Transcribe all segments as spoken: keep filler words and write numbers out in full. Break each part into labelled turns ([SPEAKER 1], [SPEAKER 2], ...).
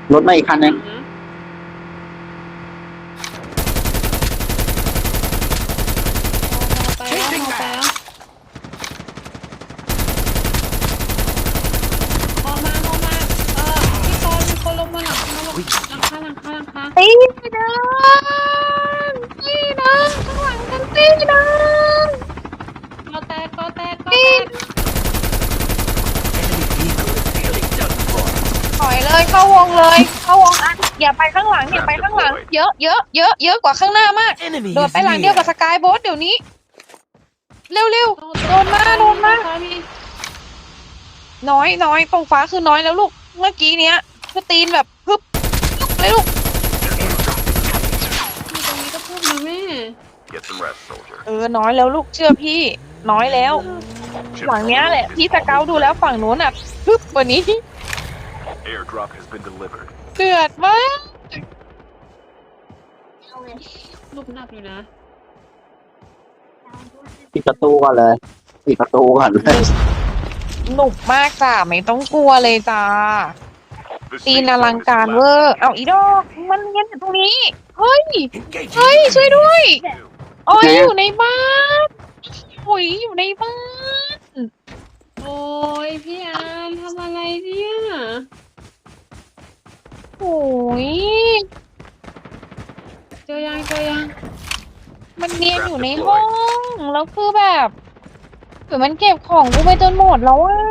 [SPEAKER 1] รถมาอีกคันนึง
[SPEAKER 2] ไปแล้วไปแล้วออกมาออกมาเออพี่กรณ์มีคนลงมาหลังมาลงหลังคาหลังคาหลังคา
[SPEAKER 3] ตีเดินตีเดินข้างหลังกันตีเดิน
[SPEAKER 2] ก็แตกก็แตกก็แตก
[SPEAKER 3] ถอยเลยเข้าวงเลยเข้าวงอันอย่าไปข้างหลังอย่าไปข้างหลัง เยอะเยอะเยอะเยอะกว่าข้างหน้ามากโดดไปหลังเดียวกับสกายโบ๊ทเดี๋ยวนี้เร็วเร็วโดนมาโดนมาน้อยน้อยตรงฟ้าคือน้อยแล้วลูกเมื่อกี้เนี้ยคือตีนแบบพึบพึบเลยลูก
[SPEAKER 2] มีตรงนี้ก็พูดนะแม่
[SPEAKER 4] Get some rest, soldier.
[SPEAKER 3] เออน้อยแล้วลูกเชื่อพี่น้อยแล้วหลังเนี้ยแหละพี่สเกาดูแล้วฝั่งนู้นอ่ะพึบกว่านี้
[SPEAKER 4] Airdrop has been delivered.
[SPEAKER 3] เดือดมาก
[SPEAKER 2] ลูกหนักอยู่นะ
[SPEAKER 1] ปิดประตูก่อนเลยปิดประตูก่อนเลย
[SPEAKER 3] หนุกมากจ้าไม่ต้องกลัวเลยจ้า
[SPEAKER 4] The
[SPEAKER 3] ตีน
[SPEAKER 4] safe
[SPEAKER 3] อลัง
[SPEAKER 4] zone is
[SPEAKER 3] การเวอ
[SPEAKER 4] collapsing.
[SPEAKER 3] ร์เอาอีดอกมันเงี้ยอยู่ตรงนี้เฮ้ยเฮ้ยช่วยด้วยโอ้ยอยู่ในบ้านโอ้ยอยู่ในบ้าน
[SPEAKER 2] โอ้ยพี่อานทำอะไรเนี่ย
[SPEAKER 3] โอ้ย
[SPEAKER 2] เจอยังเจอยัง
[SPEAKER 3] มันเนียนอยู่ในห้องแล้วคือแบบเหมือนมันเก็บของกูไปจนหมดแล้วอ่ะ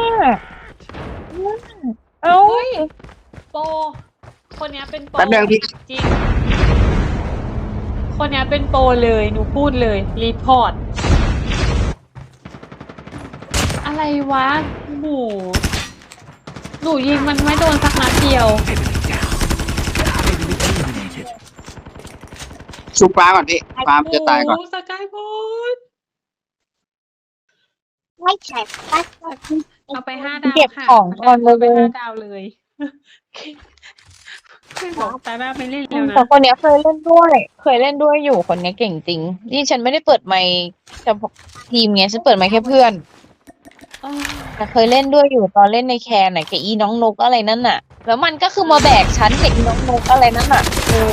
[SPEAKER 3] เอ้า
[SPEAKER 2] เฮ้ยโปรคนเนี้ยเป็นโปร
[SPEAKER 1] แป๊บนึงพี่
[SPEAKER 2] จริงคนเนี้ยเป็นโปรเลยหนูพูดเลยรีพอร์ตอะไรวะหนูหนูยิงมันไม่โดนสักนัดเดียว
[SPEAKER 1] ชุบฟ้าก่อนพี่ฟ้ามันจะตายก่อน
[SPEAKER 2] โโหสกายโบด
[SPEAKER 3] ไม่ใช่
[SPEAKER 2] เอาไปห้าดาว
[SPEAKER 3] เก็บ
[SPEAKER 2] ค่ะ
[SPEAKER 3] ของก่อนเลย
[SPEAKER 2] าไปห้าดาวเลยไม่บอกตาหน้าไปเล่นแล้วนะ
[SPEAKER 3] แต่คนเนี้ยเคยเล่นด้วย เคยเล่นด้วยอยู่คนเนี้ยเก่งจริง นี่ฉันไม่ได้เปิดไมค์เฉพาะทีมไงฉันเปิดไมค์แค่เพื่อน
[SPEAKER 2] เออ
[SPEAKER 3] แต่เคยเล่นด้วยอยู่ตอนเล่นในแคนไหนะกับอีน้องนกอะไรนั่นน่ะ แล้วมันก็คือมาแบกฉันกับอีน้องนกอะไรนั่นน่ะเออ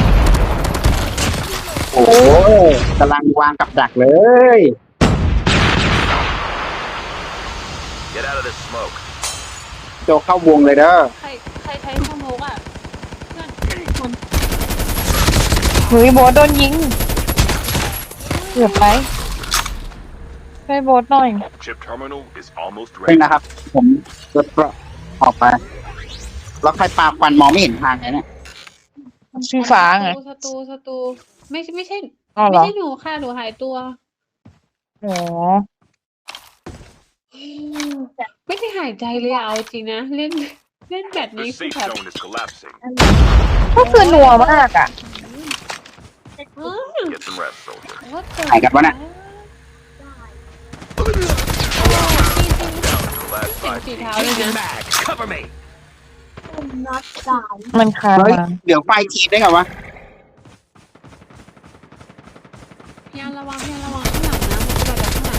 [SPEAKER 1] โอ้โหกำลังวางกับดักเลย
[SPEAKER 4] Get out of this smoke.
[SPEAKER 1] โจเข้าวงเลยเด้อ
[SPEAKER 2] ใครใครใช้สโมกอ่ะเพื่อนคน
[SPEAKER 3] เฮ้ยโบทโดนยิงเกือบไปช่วยโบทหน่อย
[SPEAKER 4] Chip terminal is almost
[SPEAKER 1] เป็น
[SPEAKER 4] ready.
[SPEAKER 1] นะครับ ผมรถก็ออกไป แล้วใครปาควันมองไม่เห็นทางเลยเนี่ย
[SPEAKER 3] ชื่อฟ้าไง
[SPEAKER 2] ศัตรูศัตรูไม่ใช่ไม่ใช่
[SPEAKER 3] อ๋อเหร
[SPEAKER 2] ไม่
[SPEAKER 3] อ
[SPEAKER 2] ใช่หนูค่ะหนูหายตัว
[SPEAKER 3] อ๋อ
[SPEAKER 2] ไม่ได้หายใจเลยอะเอาจริงนะเล่นเล่นแบบนี้
[SPEAKER 4] The
[SPEAKER 2] คือ
[SPEAKER 4] safe
[SPEAKER 2] แบบ
[SPEAKER 4] zone is collapsing.
[SPEAKER 3] ก็คือนัวมากอ่ะ
[SPEAKER 2] เออ
[SPEAKER 4] Get some rest, soldier.
[SPEAKER 2] ว่าเกิด
[SPEAKER 1] ใครกันวะเนี่ย
[SPEAKER 4] Last
[SPEAKER 2] เสียง
[SPEAKER 4] five
[SPEAKER 2] สี
[SPEAKER 4] teams.
[SPEAKER 2] เท้าเลยนะ
[SPEAKER 4] Mag, cover me.
[SPEAKER 3] มันคา
[SPEAKER 1] เฮ้ย
[SPEAKER 3] มา
[SPEAKER 1] เดี๋ยวไฟทีได้ไงวะ
[SPEAKER 2] พี่อันระวังพี่อันระวังข้างหลังนะมันจะแบบข้างหลัง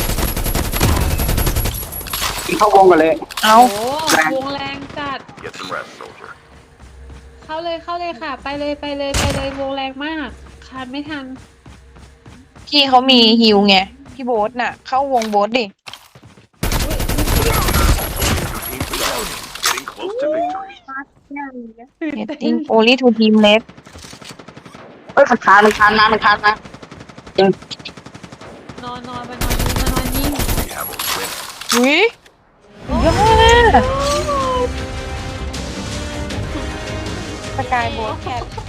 [SPEAKER 1] พี่เข้าวงกันเลย
[SPEAKER 3] เอา
[SPEAKER 2] โอ้วงแรงจัด
[SPEAKER 4] Get some rest, soldier.
[SPEAKER 2] เข้าเลยเข้าเลยค่ะ ไปเลยไปเลยไปเลยวงแรงมากคานไม่ทัน
[SPEAKER 3] พี่เขามีฮิวไง พี่โบ๊ทน่ะ เข้าวงโบ๊ทดิ
[SPEAKER 4] Two teams surrounding. Getting close to victory.
[SPEAKER 3] Getting only two team left
[SPEAKER 1] เฮ้ยมันคานมันคานมามันคานมา
[SPEAKER 2] นอนนอนไปนอนยิงมานอนยิง
[SPEAKER 4] We have a win.
[SPEAKER 3] อุ้ยยอดสกายโบ๊ทแคท